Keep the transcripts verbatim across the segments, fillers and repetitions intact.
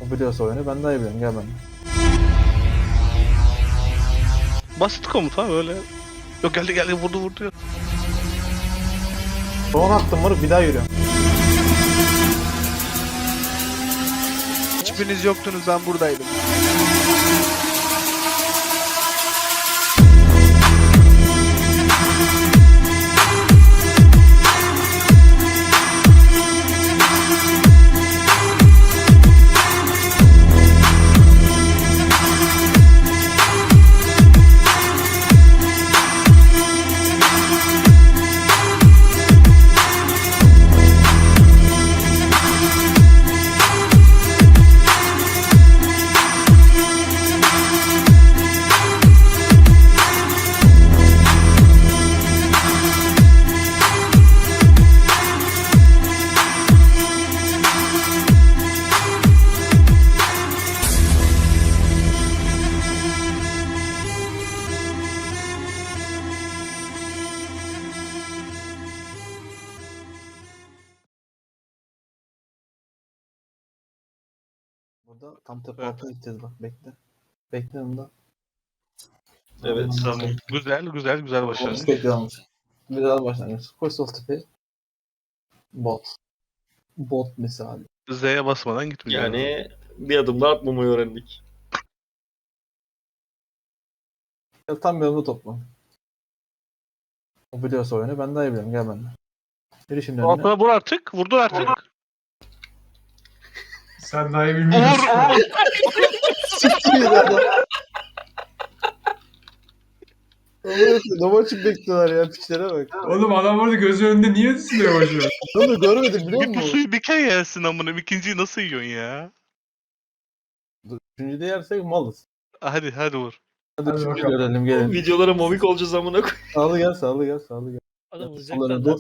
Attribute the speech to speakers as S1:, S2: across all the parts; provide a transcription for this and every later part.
S1: O biliyorsa oyunu ben daha iyi biliyorum. Gel benimle.
S2: Basit komuta böyle. Yok geldi geldi vurdu vurdu.
S1: Son attım moruk bir daha yürüyorum.
S3: Hiçbiriniz yoktunuz, ben buradaydım.
S1: Burada tam tepe
S2: Evet.
S1: altına gideceğiz bak bekle. Bekle onda.
S4: Evet.
S2: Tamam. Güzel güzel güzel başlangıç.
S1: Bekle olmuş. Güzel başlangıç. Koş sol tepeye. Bot. Bot misali.
S2: Z'ye basmadan gitmiyor.
S4: Yani bir adım daha atmamayı öğrendik.
S1: Ya tam bir yanımda topla. O biliyorsa oyunu ben daha iyi biliyorum. Gel benimle. Yürü şimdi önüne.
S2: Altına vur artık. Vurdur artık.
S5: Sen daha iyi bilmiyorsun.
S2: Vur.
S1: Siktir adam. Domaçık bekliyorlar ya piçlere bak.
S5: Oğlum adam orada gözü önünde niye düşünüyor boşu?
S1: Onu görmedim biliyor
S2: Bir
S1: musun?
S2: pusuyu bir kere yersin amına. İkinciyi nasıl yiyorsun ya?
S1: Dur, üçüncüde yersek malız.
S2: Hadi hadi vur.
S1: Hadi,
S5: Hadi
S1: üçüncü
S5: bakalım.
S1: görelim gelin.
S4: Videolara momik olacağız amına koy.
S1: Sağlı gel sağlı gel sağlı gel.
S6: Adam
S1: Solları
S6: uzaktan
S1: dur.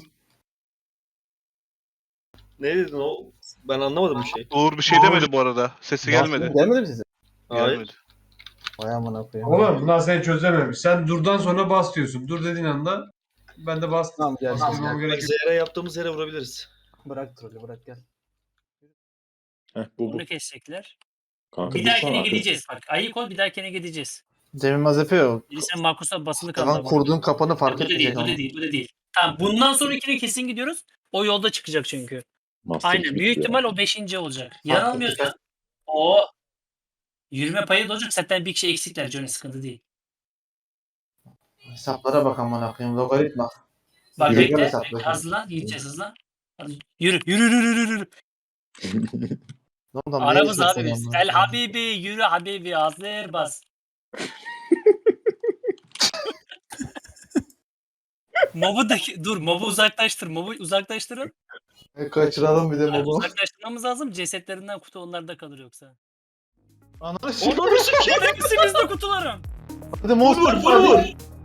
S4: Ne dedin o? Ben anlamadım bir şey.
S2: Uğur bir şey demedi bu arada. Sesi gelmedi.
S1: Gelmedi mi size?
S4: Hayır.
S2: Gelmedi.
S1: Vay amına koyayım.
S5: Oğlum bunlar seni çözememiş. Sen durdan sonra bas diyorsun. Dur dediğin anda ben de bastım.
S1: Tamam gel.
S5: Bastırmam
S1: gel.
S4: Bak
S5: gerek yok.
S4: Z'ye yaptığımız yere vurabiliriz.
S1: Bırak trolü bırak gel.
S7: Heh, bu bu.
S6: Onu kesecekler.
S7: Kanka
S6: Bir
S7: bu
S6: dahakine
S7: sonra-
S6: gideceğiz bak. Ayık ol, bir dahakine gideceğiz.
S1: Cemil Mazefe yok.
S6: Biri sen Markus'a basılı kaldı.
S1: Tamam
S6: ama.
S1: kurduğun kapanı
S6: Bu
S1: fark
S6: da değil,
S1: etmeyecek
S6: bu
S1: ama.
S6: da değil, bu da değil. Tamam, bundan sonrakine kesin gidiyoruz. O yolda çıkacak çünkü.
S7: Master
S6: Aynen,
S7: Chief
S6: büyük
S7: ya.
S6: ihtimal o beşinci olacak.
S1: Fark
S6: Yanılmıyorsam o yürüme payı da olacak. Zaten bir kişi eksikler. Johnny sıkıntı değil.
S1: Hesaplara bak amına koyayım. Logaritma.
S6: Bak
S1: Yürü,
S6: bekle,
S1: gel hesapla.
S6: bekle, hızlan, gideceğiz hızlan. Hadi, Yürü, yürü, yürü, yürü, yürü.
S1: Ne oldu?
S6: Aramız abi biz. El Habibi, yürü Habibi, hazır bas. Mobu da dur, mobu uzaklaştır, mobu uzaklaştırın.
S1: Kaçıralım bir de
S6: Yani
S1: mobu.
S6: uzaklaştırmamız lazım. Cesetlerinden kutu onlarda kalır yoksa.
S1: Ananı s***.
S4: Onu sikeyim.
S6: Hepsi bizde kutularım.
S1: Hadi mouse
S4: Vur vur vur.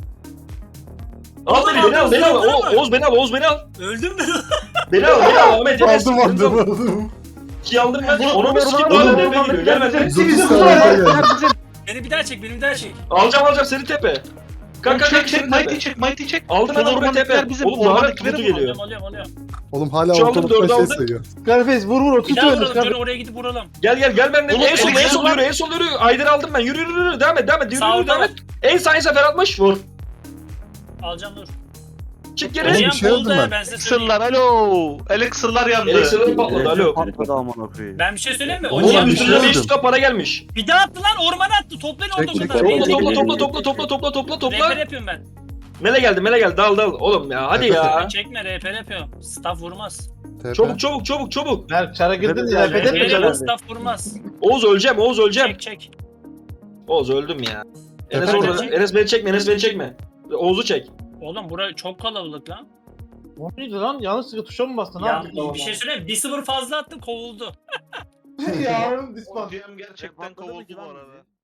S4: Al beni, beni al, beni al. O- Oğuz beni al, Oğuz beni al.
S6: Öldüm ben.
S4: Beni al, beni al. Ahmet Enes.
S1: Aldım
S4: beni al.
S1: aldım aldım.
S4: İki aldım ben.
S1: Vur,
S4: Onu
S1: vur,
S4: bir sikeyim.
S1: vur,
S4: Daha
S1: vur,
S4: nereye
S1: vur,
S4: gidiyor?
S1: vur,
S4: Gel ben.
S1: Hepsi
S4: Hepsi
S1: bizim kutular.
S6: Beni bir daha çek, beni bir daha çek.
S4: Alacağım alacağım seni tepe. Kanka
S2: Çek
S4: kanka
S2: çek
S4: seni
S2: mighty
S4: tepe.
S2: çek mighty çek.
S4: Aldım
S2: Sol
S4: ben buraya tepe.
S2: ormandakiler bizim.
S4: Oğlum daha
S2: Ormandakileri
S4: kutu
S2: vur.
S4: geliyor.
S6: Alıyorum, alıyorum, alıyorum.
S8: Oğlum hala
S4: Şu aldım,
S8: ortalıkta
S4: dördü
S8: şey
S4: aldım.
S8: sayıyor.
S1: Scarface vur vur
S6: Bir
S1: otur
S6: daha
S1: öyle
S6: vuralım,
S1: Scarface.
S6: Johnny oraya gidip vuralım.
S4: Gel gel gel benden.
S2: Oğlum,
S4: En sol en
S2: oğlum,
S4: sol
S2: lan.
S4: yürü en sol yürü. Aydır aldım ben. Yürü yürü yürü. Devam et devam et. Yürü
S6: Sağ
S4: yürü devam
S6: ol.
S4: et. En sağ en sefer atmış. Vur.
S6: Alacağım dur.
S4: Çık
S8: Oğlum,
S4: geri.
S6: Hocam
S8: bir şey
S6: oldu
S8: aldım
S6: ya,
S8: ben.
S6: ben size söyleyeyim.
S2: Elixir'lar alo. Elixir'lar yandı.
S4: Elektrikleri patladı alo.
S7: Patladı amına koyayım.
S6: Ben bir şey söyleyeyim mi?
S8: Oğlum,
S6: Hocam
S4: Oğlum
S8: bir şey
S4: üstüne
S8: aldım.
S4: beş yüz k para gelmiş.
S6: bir daha attı lan, ormana attı. Toplayın
S8: Çek,
S6: orada
S8: çek,
S6: kadar.
S8: çek.
S6: Beni
S4: Topla
S6: çekin.
S4: topla topla topla topla topla topla
S6: Rehber
S4: topla.
S6: yapıyorum ben.
S4: Mele geldi mele geldi dal dal. Oğlum ya hadi ya.
S6: Çekme, rehber yapıyorum. Staff vurmaz.
S8: T P.
S4: Çabuk çabuk çabuk çabuk.
S1: Berk çara girdin
S4: Evet,
S1: ya.
S4: evet,
S1: Fethet
S4: evet.
S1: mi
S6: Geliyorum,
S1: çara?
S6: staff vurmaz.
S4: Oğuz öleceğim Oğuz öleceğim.
S6: Çek çek.
S4: Oğuz öldüm ya. Enes
S8: Efendim?
S4: orada. Enes beni çekme Enes beni çekme. Oğuz'u çek.
S6: Oğlum bura çok kalabalık lan.
S1: O neydi lan? Yanlışlıkla tuşa mı bastın? Ne
S6: Ya
S1: yaptın?
S6: bir şey söyleyeyim mi? bir sıfır fazla attım, kovuldu.
S1: Ya oğlum dispan.
S2: G M gerçekten kovuldu bu arada.